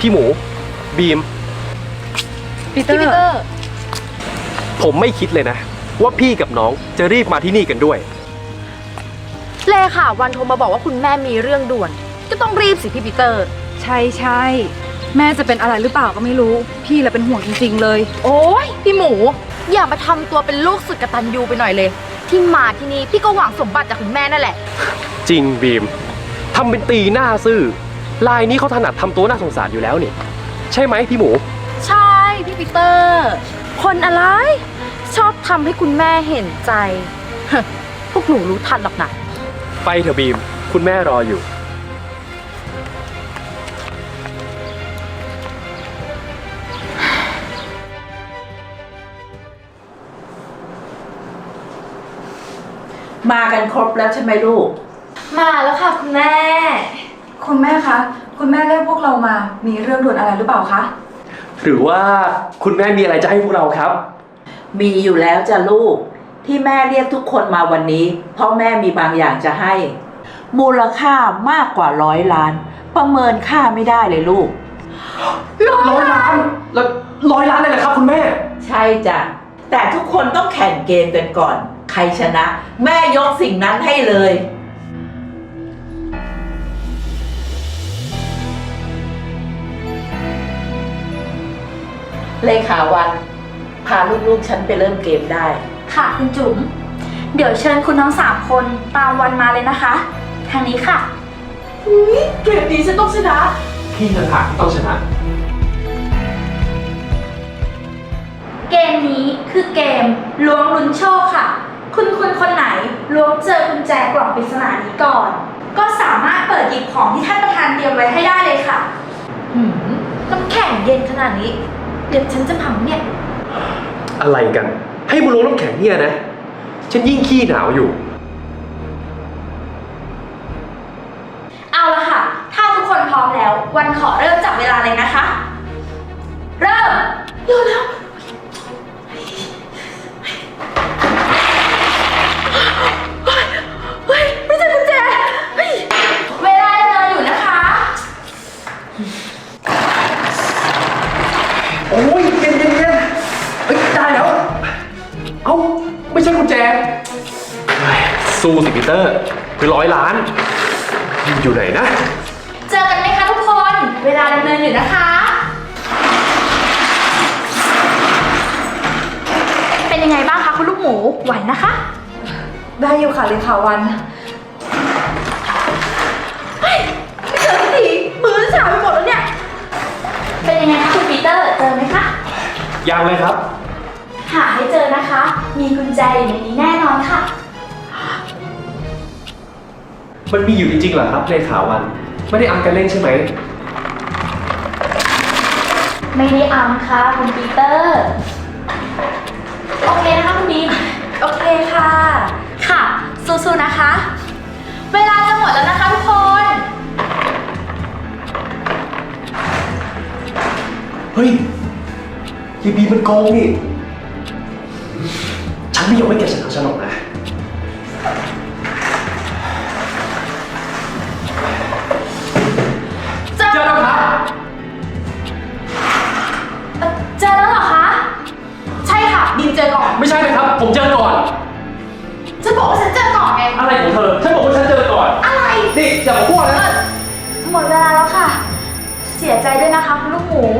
พี่หมูบีมปีเตอร์ผมไม่คิดเลยนะว่าพี่กับน้องจะรีบมาที่นี่กันด้วยเลขาวันโทรมาบอกว่าคุณแม่มีเรื่องด่วนก็ต้องรีบสิพี่ปีเตอร์ใช่แม่จะเป็นอะไรหรือเปล่าก็ไม่รู้พี่แหละเป็นห่วงจริงๆเลยโอ้ยพี่หมูอย่ามาทำตัวเป็นลูกสุดกตัญญูไปหน่อยเลยที่มาที่นี่พี่ก็หวังสมบัติจากคุณแม่นั่นแหละจริงบีมทำเป็นตีหน้าซื่อลายนี้เขาถนัดทำตัวน่าสงสารอยู่แล้วนี่ใช่ไหมพี่หมูใช่พี่ปีเตอร์คนอะไรชอบทำให้คุณแม่เห็นใจ พวกหนูรู้ทันหรอกนะไปเถอะบีมคุณแม่รออยู่มากันครบแล้วใช่ไหมลูกมาแล้วค่ะคุณแม่คุณแม่คะคุณแม่เรียกพวกเรามามีเรื่องด่วนอะไรหรือเปล่าคะหรือว่าคุณแม่มีอะไรจะให้พวกเราครับมีอยู่แล้วจ้ะลูกที่แม่เรียกทุกคนมาวันนี้เพราะแม่มีบางอย่างจะให้มูลค่ามากกว่า100 ล้านประเมินค่าไม่ได้เลยลูก 100 ล้านแล้ว100 ล้านเลยเหรอครับคุณแม่ใช่จ้ะแต่ทุกคนต้องแข่งเกมกันก่อนใครชนะแม่ยกสิ่งนั้นให้เลยเลขาวันพาลูกๆฉันไปเริ่มเกมได้ค่ะคุณจุ๋มเดี๋ยวเชิญคุณทั้ง3 คนตามวันมาเลยนะคะทางนี้ค่ะเกมนี้ฉันต้องชนะพี่ต่างหากที่ต้องชนะเกมนี้คือเกมล้วงลุ้นโชคค่ะคุณคนไหนล้วงเจอกุญแจกล่องปริศนานี้ก่อนก็สามารถเปิดหยิบของที่ท่านประธานเตรียมไว้ให้ได้เลยค่ะน้ำแข็งเย็นขนาดนี้เดี๋ยวฉันจะพังเนี่ยอะไรกันให้มาลงน้ำแข็งเนี่ยนะฉันยิ่งขี้หนาวอยู่เอาละค่ะถ้าทุกคนพร้อมแล้ววันขอเริ่มจับเวลาเลยนะคะเริ่มเร็วแล้วไม่ใช่กุญแจเวลาเดินอยู่นะคะโอ้ยเย็นเฮ้ยได้แล้วเอ้าไม่ใช่กุญแจสู้สิปีเตอร์คือ100 ล้านอยู่ไหนนะเจอกันไหมคะทุกคนเวลาดำเนินอยู่นะคะเป็นยังไงบ้างคะคุณลูกหมูไหวนะคะได้อยู่ค่ะเลขาวันไม่เจอทีมือฉาไปหมดแล้วเนี่ยเป็นยังไงคะคุณปีเตอร์เจอไหมคะยังเลยครับหาให้เจอนะคะมีกุญแจอยู่ในนี้แน่นอนค่ะมันมีอยู่จริงๆเหรอครับเลขาวันไม่ได้อังกันเล่นใช่ไหมไม่ได้อังค่ะคุณปีเตอร์โอเคนะคะคุณบีมโอเคค่ะค่ะสู้ๆนะคะเวลาจะหมดแล้วนะคะทุกคนเฮ้ยยีบีมันโกงนี่ฉันไม่ยอมให้แกชนะฉันหรอกนะเจอแล้วครับเจอแล้วเหรอคะใช่ค่ะบีมเจอก่อนไม่ใช่เลยครับผมเจอก่อนฉันบอกว่าฉันเจอก่อนไงอะไรของเธอฉันบอกว่าฉันเจอก่อนอะไรนี่อย่ามาพูดนะหมดเวลาแล้วค่ะเสียใจด้วยนะคะคุณลูกหมู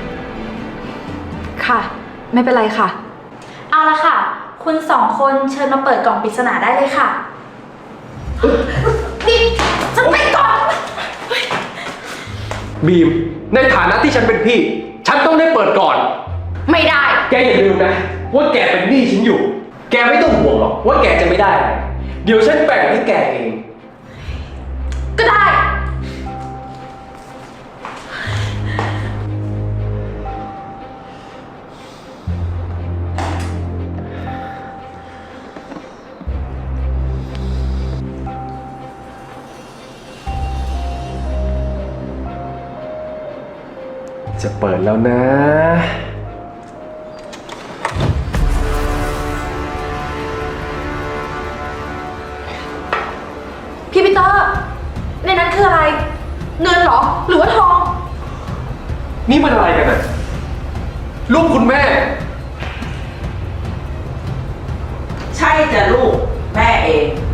ค่ะไม่เป็นไรค่ะเอาละค่ะคุณ2 คนเชิญมาเปิดกล่องปริศนาได้เลยค่ะนี่ฉันไปก่อนบีมในฐานะที่ฉันเป็นพี่ฉันต้องได้เปิดก่อนไม่ได้แกอย่าลืมนะว่าแกเป็นหนี้ฉันอยู่แกไม่ต้องห่วงหรอกว่าแกจะไม่ได้เดี๋ยวฉันแบ่งให้แกเองก็ได้จะเปิดแล้วนะพี่ปีเตอร์ในนั้นคืออะไรเงินเหรอหรือว่าทองนี่มันอะไรกันน่ะลูกคุณแม่ใช่จ้ะลูกแม่เอง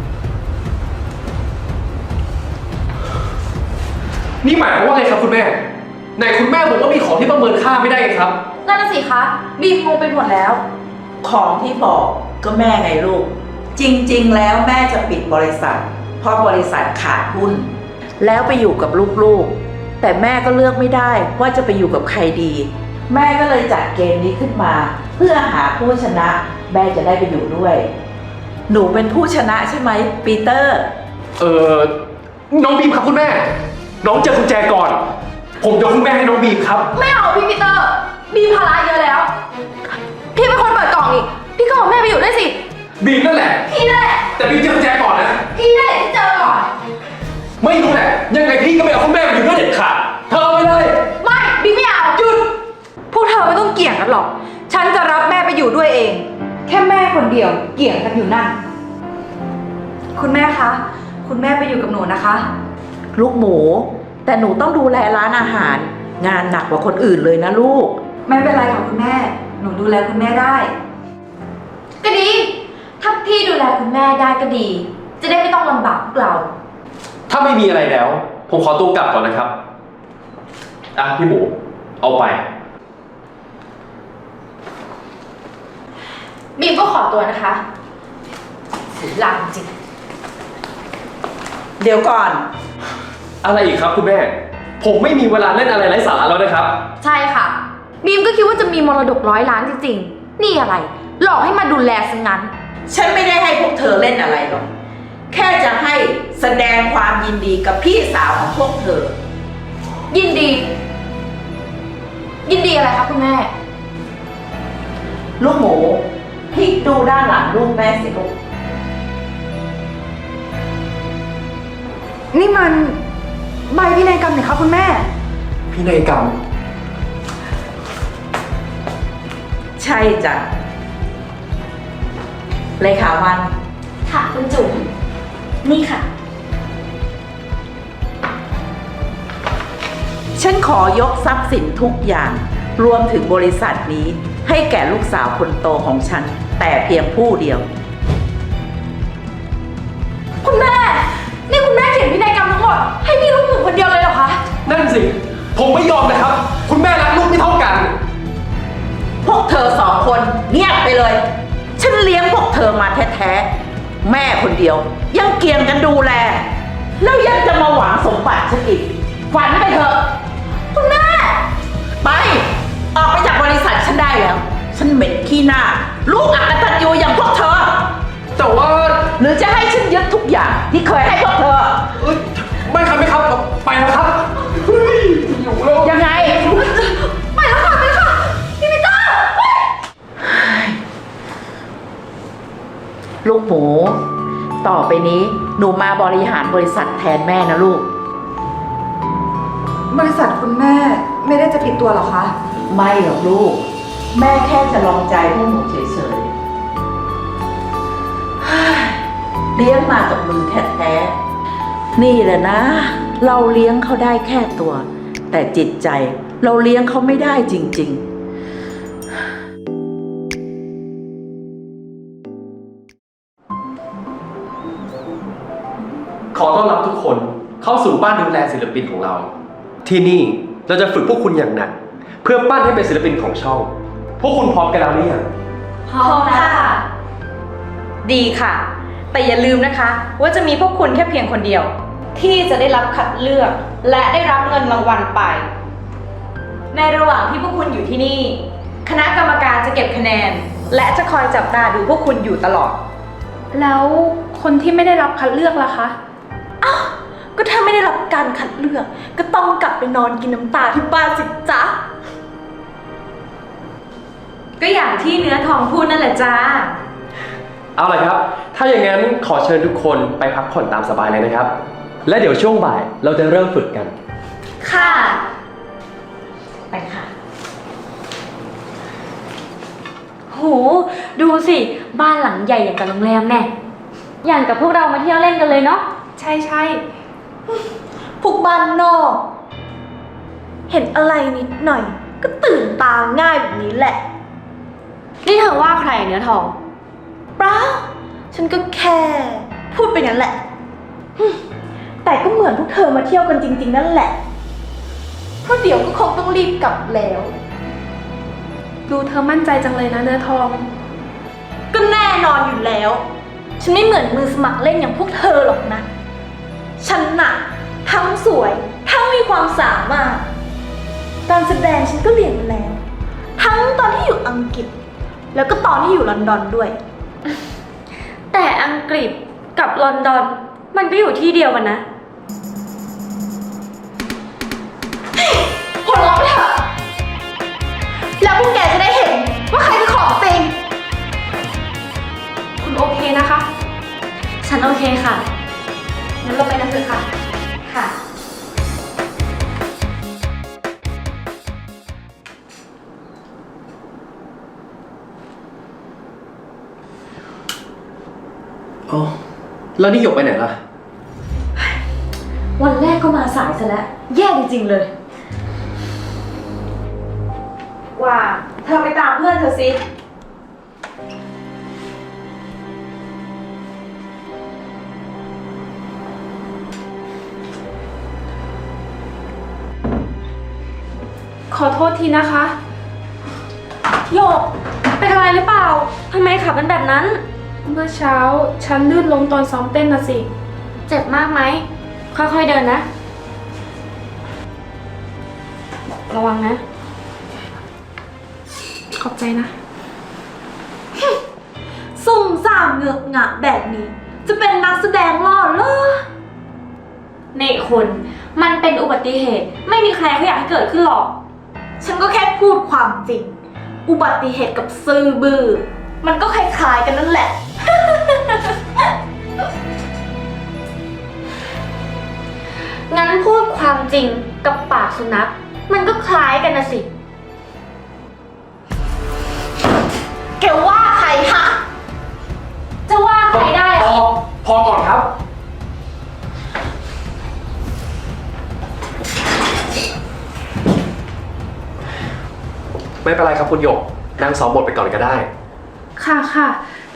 นี่หมายความว่าไงครับคุณแม่ไหนคุณแม่บอกว่ามีของที่ประเมินค่าไม่ได้ไงครับนั่นน่ะสิคะ บีมงงไปหมดแล้วของที่บอกก็แม่ไงลูก จริงๆแล้วแม่จะปิดบริษัท เพราะบริษัทขาดหุ้น แล้วไปอยู่กับลูกๆ แต่แม่ก็เลือกไม่ได้ว่าจะไปอยู่กับใครดี แม่ก็เลยจัดเกมนี้ขึ้นมา เพื่อหาผู้ชนะ แม่จะได้ไปอยู่ด้วย หนูเป็นผู้ชนะใช่ไหมปีเตอร์น้องบีมครับคุณแม่ น้องเจอกุญแจก่อน ผมยกคุณแม่ให้น้องบีมครับไม่เอาพี่ปีเตอร์ บีมภาระเยอะแล้ว พี่เป็นคนเปิดกล่องอีก พี่ก็เอาแม่ไปอยู่ด้วยสิบีมนั่นแหละพี่นั่นแหละแต่บีมเจอกุญแจก่อนนะพี่นั่นแหละที่เจอก่อนไม่รู้แหละ ยังไงพี่ก็ไม่เอาคุณแม่มาอยู่ด้วยเด็ดขาดเธอเอาไปเลยไม่บีมไม่เอาหยุด พวกเธอไม่ต้องเกี่ยงกันหรอก ฉันจะรับแม่ไปอยู่ด้วยเอง แค่แม่คนเดียวเกี่ยงกันอยู่นั่นคุณแม่คะ คุณแม่ไปอยู่กับหนูนะคะลูกหมู แต่หนูต้องดูแลร้านอาหาร งานหนักกว่าคนอื่นเลยนะลูกไม่เป็นไรค่ะคุณแม่ หนูดูแลคุณแม่ได้ก็ดี ถ้าพี่ดูแลคุณแม่ได้ก็ดี จะได้ไม่ต้องลำบากพวกเราถ้าไม่มีอะไรแล้ว ผมขอตัวกลับก่อนนะครับ พี่หมู เอาไปบีมก็ขอตัวนะคะเสียหลังจริงเดี๋ยวก่อนอะไรอีกครับคุณแม่ ผมไม่มีเวลาเล่นอะไรไร้สาระแล้วนะครับใช่ค่ะ บีมก็คิดว่าจะมีมรดก100 ล้านจริงๆ นี่อะไร หลอกให้มาดูแลซะงั้นฉันไม่ได้ให้พวกเธอเล่นอะไรหรอก แค่จะให้แสดงความยินดีกับพี่สาวของพวกเธอยินดี ยินดีอะไรคะคุณแม่ลูกหมูพลิกดูด้านหลังลูกแม่สิลูกนี่มันใบพินัยกรรมเนี่ยคะคุณแม่พินัยกรรมใช่จ้ะเลขาวันค่ะคุณจุ๋มนี่ค่ะฉันขอยกทรัพย์สินทุกอย่าง รวมถึงบริษัทนี้ ให้แก่ลูกสาวคนโตของฉัน แต่เพียงผู้เดียวคุณแม่ นี่คุณแม่เขียนพินัยกรรมทั้งหมด ให้พี่ลูกหมูคนเดียวเลยเหรอคะนั่นสิ ผมไม่ยอมนะครับ คุณแม่รักลูกไม่เท่ากันพวกเธอสองคนเงียบไปเลย ฉันเลี้ยงพวกเธอมาแท้ๆ แม่คนเดียว ยังเกียงกันดูแล แล้วยังจะมาหวังสมบัติฉันอีก ฝันไปเถอะคุณแม่ไป ออกไปจากบริษัทฉันได้แล้ว ฉันเหม็นขี้หน้า ลูกอักตันยูอย่างพวกเธอแต่ว่าหรือจะให้ฉันยึดทุกอย่างที่เคยให้พวกเธอไม่ครับไม่ครับ ไปแล้วครับเฮ้ยอยู่แล้วยังไงไปแล้วค่ะไปแล้วค่ะ พี่ปีเตอร์เฮ้ยลูกหมู ต่อไปนี้หนูมาบริหารบริษัทแทนแม่นะลูกบริษัทคุณแม่ไม่ได้จะปิดตัวหรอคะไม่หรอกลูก แม่แค่จะลองใจพวกหนูเฉยๆ เลี้ยงมากับมือแท้ๆ นี่แหละนะ เราเลี้ยงเขาได้แค่ตัว แต่จิตใจเราเลี้ยงเขาไม่ได้จริงๆขอต้อนรับทุกคนเข้าสู่บ้านดูแลศิลปินของเรา ที่นี่เราจะฝึกพวกคุณอย่างหนัก เพื่อปั้นให้เป็นศิลปินของช่อง พวกคุณพร้อมกันแล้วหรือยังพร้อมแล้วค่ะดีค่ะ แต่อย่าลืมนะคะ ว่าจะมีพวกคุณแค่เพียงคนเดียว ที่จะได้รับคัดเลือก และได้รับเงินรางวัลไป ในระหว่างที่พวกคุณอยู่ที่นี่ คณะกรรมการจะเก็บคะแนน และจะคอยจับตาดูพวกคุณอยู่ตลอดแล้วคนที่ไม่ได้รับคัดเลือกล่ะคะก็ถ้าไม่ได้รับการคัดเลือก ก็ต้องกลับไปนอนกินน้ำตาที่บ้านสิจ๊ะ ก็อย่างที่เนื้อทองพูดนั่นแหละจ้าเอาเลยครับ ถ้าอย่างนั้นขอเชิญทุกคนไปพักผ่อนตามสบายเลยนะครับ และเดี๋ยวช่วงบ่ายเราจะเริ่มฝึกกันค่ะไปค่ะโห ดูสิ บ้านหลังใหญ่อย่างกับโรงแรมแน่ อย่างกับพวกเรามาเที่ยวเล่นกันเลยเนาะใช่ใช่พวกบ้านนอกเห็นอะไรนิดหน่อย ก็ตื่นตาง่ายแบบนี้แหละนี่เธอว่าใครเนื้อทองเปล่าฉันก็แค่พูดไปงั้นแหละแต่ก็เหมือนพวกเธอมาเที่ยวกันจริงๆนั่นแหละเพราะเดี๋ยวก็คงต้องรีบกลับแล้วดูเธอมั่นใจจังเลยนะเนื้อทองก็แน่นอนอยู่แล้ว ฉันไม่เหมือนมือสมัครเล่นอย่างพวกเธอหรอกนะ ฉันน่ะทั้งสวยทั้งมีความสามารถการแสดงฉันก็เรียนมาแล้ว ทั้งตอนที่อยู่อังกฤษ แล้วก็ตอนที่อยู่ลอนดอนด้วยแต่อังกฤษกับลอนดอนมันก็อยู่ที่เดียวกันนะหัวเราะไปเถอะแล้วพวกแกจะได้เห็นว่าใครคือของจริงคุณโอเคนะคะฉันโอเคค่ะงั้นเราไปกันเถอะค่ะค่ะอ๋อ แล้วนี่หยกไปไหนล่ะวันแรกก็มาสายซะแล้ว แย่จริงๆเลยว่าเธอไปตามเพื่อนเธอสิขอโทษทีนะคะโยก เป็นอะไรหรือเปล่า ทำไมขับเป็นแบบนั้นเมื่อเช้าฉันลื่นล้มตอนซ้อมเต้นนะสิเจ็บมากไหม ค่อยๆเดินนะ ระวังนะขอบใจนะซุ่มซ่ามเงือกงะแบบนี้ จะเป็นนักแสดงหล่อเหรอนี่คุณ มันเป็นอุบัติเหตุ ไม่มีใครเขาอยากให้เกิดขึ้นหรอกฉันก็แค่พูดความจริง อุบัติเหตุกับซื่อบื้อ มันก็คล้ายๆกันนั่นแหละงั้นพูดความจริงกับปากสุนัข มันก็คล้ายกันนะสิแกว่าใครฮะจะว่าใครได้เหรอพอก่อนครับ ไม่เป็นไรครับคุณหยก นั่งซ้อมบทไปก่อนก็ได้ค่ะค่ะ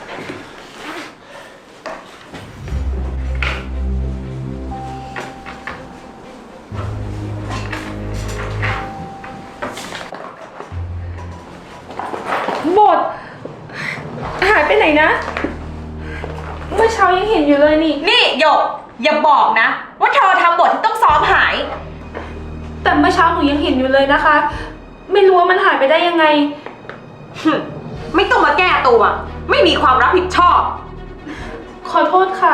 บท หายไปไหนนะ เมื่อเช้ายังเห็นอยู่เลยนี่นี่หยก อย่าบอกนะ ว่าเธอทำบทที่ต้องซ้อมหายแต่เมื่อเช้าหนูยังเห็นอยู่เลยนะคะ ไม่รู้ว่ามันหายไปได้ยังไงไม่ต้องมาแก้ตัว ไม่มีความรับผิดชอบขอโทษค่ะ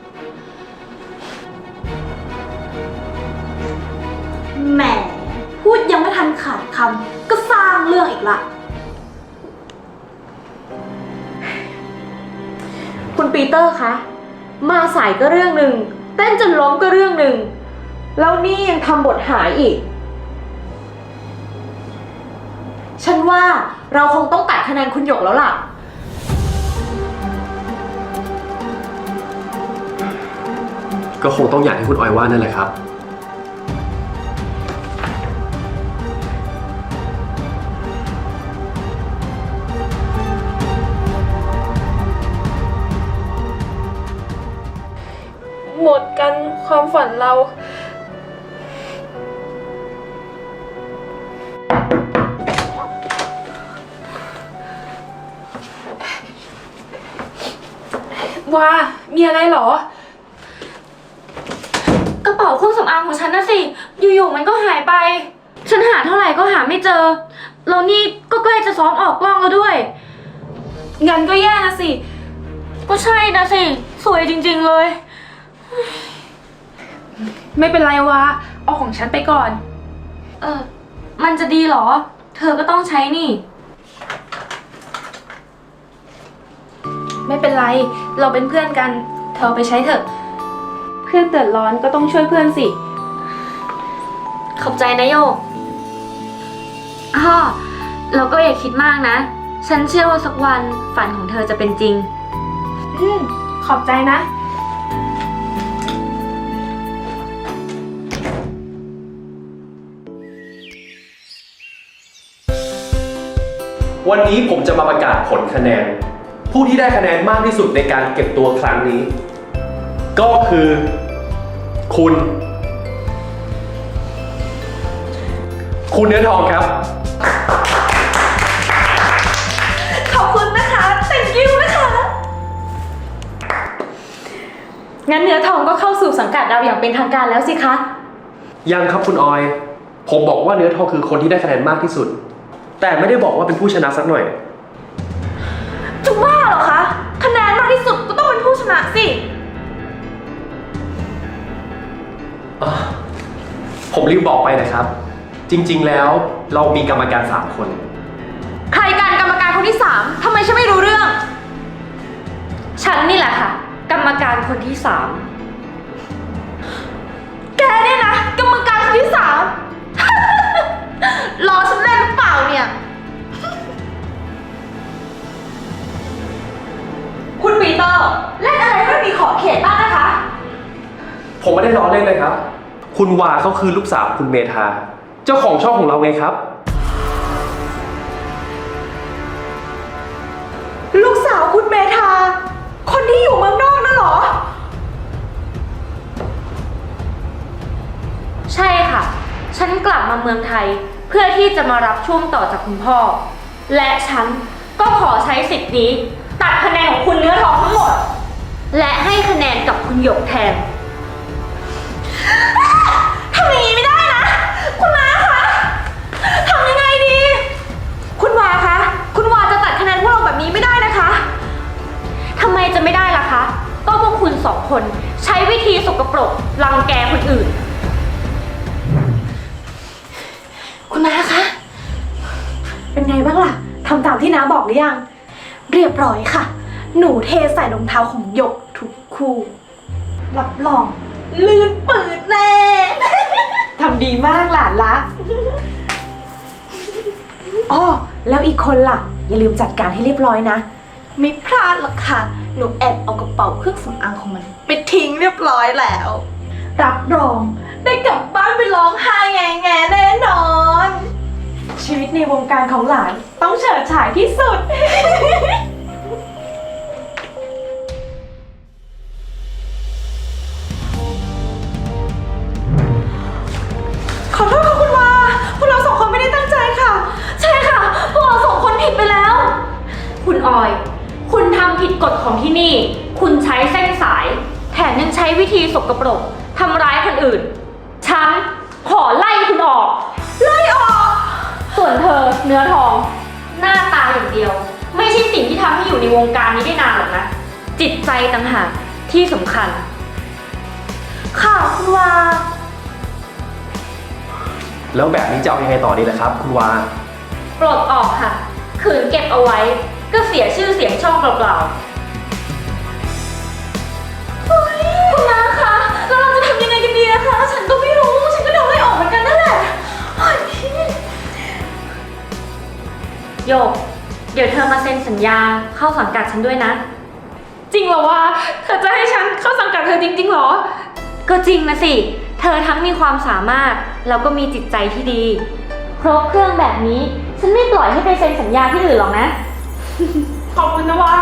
แหม พูดยังไม่ทันขาดคำก็สร้างเรื่องอีกละคุณปีเตอร์คะ มาสายก็เรื่องหนึ่ง เต้นจนล้มก็เรื่องหนึ่ง แล้วนี่ยังทำบทหายอีก ฉันว่าเราคงต้องตัดคะแนนคุณหยกแล้วล่ะก็คงต้องอย่างที่คุณออยว่านั่นแหละครับหมดกันความฝันเรา ว่ามีอะไรเหรอกระเป๋าเครื่องสำอางของฉันนะสิ อยู่ๆมันก็หายไป ฉันหาเท่าไหร่ก็หาไม่เจอ แล้วนี่ก็ใกล้จะซ้อมออกกล้องแล้วด้วยงั้นก็แย่นะสิก็ใช่นะสิ สวยจริงๆเลยไม่เป็นไรวะเอาของฉันไปก่อนมันจะดีเหรอ เธอก็ต้องใช้นี่ไม่เป็นไร เราเป็นเพื่อนกัน เธอเอาไปใช้เถอะ เพื่อนเดือดร้อนก็ต้องช่วยเพื่อนสิขอบใจนะโยกอ้อแล้วก็อย่าคิดมากนะ ฉันเชื่อว่าสักวันฝันของเธอจะเป็นจริงขอบใจนะวันนี้ผมจะมาประกาศผลคะแนน ผู้ที่ได้คะแนนมากที่สุดในการเก็บตัวครั้งนี้ ก็คือคุณเนื้อทองครับขอบคุณนะคะ thank you นะคะงั้นเนื้อทองก็เข้าสู่สังกัดเราอย่างเป็นทางการแล้วสิคะยังครับคุณออย ผมบอกว่าเนื้อทองคือคนที่ได้คะแนนมากที่สุด แต่ไม่ได้บอกว่าเป็นผู้ชนะสักหน่อยจะว่าเหรอคะ คะแนนมากที่สุดก็ต้องเป็นผู้ชนะสิผมลืมบอกไปนะครับ จริงๆแล้วเรามีกรรมการ3 คนใครกันกรรมการคนที่ 3ทำไมฉันไม่รู้เรื่องฉันนี่แหละค่ะ กรรมการคนที่แกเนี่ยนะ กรรมการคนที่ 3 รอฉันเล่นหรือเปล่าเนี่ยคุณปีเตอร์เล่นอะไรไม่มีขอบเขตบ้างนะคะผมไม่ได้ล้อเล่นเลยครับ คุณวาเขาคือลูกสาวคุณเมธา เจ้าของช่องของเราไงครับลูกสาวคุณเมธา คนที่อยู่เมืองนอกนั่นเหรอ 3 ใช่ค่ะ ฉันกลับมาเมืองไทย เพื่อที่จะมารับช่วงต่อจากคุณพ่อ และฉันก็ขอใช้สิทธิ์นี้ ตัดคะแนนของคุณเนื้อทองทั้งหมด และให้คะแนนกับคุณหยกแทนทำอย่างนี้ไม่ได้นะ คุณน้าคะทำยังไงดี คุณวาคะ คุณวาจะตัดคะแนนพวกเราแบบนี้ไม่ได้นะคะทำไมจะไม่ได้ล่ะคะ ก็พวกคุณ2 คนใช้วิธีสกปรกรังแกคนอื่นคุณน้าคะ เป็นไงบ้างล่ะ ทำตามที่น้าบอกหรือยัง เรียบร้อยค่ะ หนูเทใส่รองเท้าของหยกทุกคู่ รับรอง ลื่นปืดแน่ทำดีมากหลานรักอ๋อ แล้วอีกคนล่ะ อย่าลืมจัดการให้เรียบร้อยนะ ไม่พลาดหรอกค่ะ หนูแอบเอากระเป๋าเครื่องสำอางของมันไปทิ้งเรียบร้อยแล้ว รับรอง ได้กลับบ้านไปร้องไห้แง่ๆแน่นอน ชีวิตในวงการของหลานต้องเฉิดฉายที่สุด ขอโทษค่ะคุณวาพวกเรา2 คนไม่ได้ตั้งใจค่ะ ใช่ค่ะ พวกเรา2 คนผิดไปแล้วคุณออย คุณทำผิดกฎของที่นี่ คุณใช้เส้นสาย แถมยังใช้วิธีสกปรกทำร้ายคนอื่น ฉันขอไล่คุณออกไล่ออกส่วนเธอเนื้อทอง หน้าตาอย่างเดียว ไม่ใช่สิ่งที่ทำให้อยู่ในวงการนี้ได้นานหรอกนะ จิตใจต่างหากที่สำคัญค่ะคุณวาแล้วแบบนี้จะเอายังไงต่อดีล่ะครับ คุณวาปลดออกค่ะ ขืนเก็บเอาไว้ ก็เสียชื่อเสียงช่องเปล่าๆคุณน้าคะแล้วเราจะทำยังไงกันดีนะคะ ฉันก็ไม่รู้ ฉันก็โดนไล่ออกเหมือนกันนั่นแหละเฮ้ยโยก เดี๋ยวเธอมาเซ็นสัญญาเข้าสังกัดฉันด้วยนะจริงเหรอวะเธอจะให้ฉันเข้าสังกัดเธอจริงๆเหรอก็จริงนะสิ เธอทั้งมีความสามารถ แล้วก็มีจิตใจที่ดี ครบเครื่องแบบนี้ ฉันไม่ปล่อยให้ไปเซ็นสัญญาที่อื่นหรอกนะขอบคุณนะวะ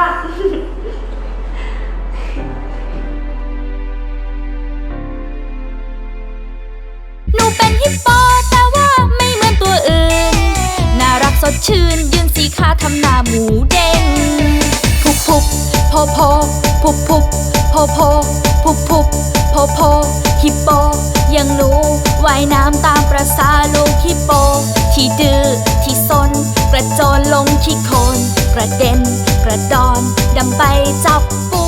หนูเป็นฮิปโปแต่ว่าไม่เหมือนตัวอื่น น่ารักสดชื่นยืนสีขาทำหน้าหมูเด้งพุบพุบโพโพพุบพุบโพโพพุบพุบโพโพฮิปโปอย่างหนูว่ายน้ำตามประสาลูกฮิปโปที่ดื้อที่ซนกระโจนลงขี้โคลนกระเด็นกระดอนดำไปจับปู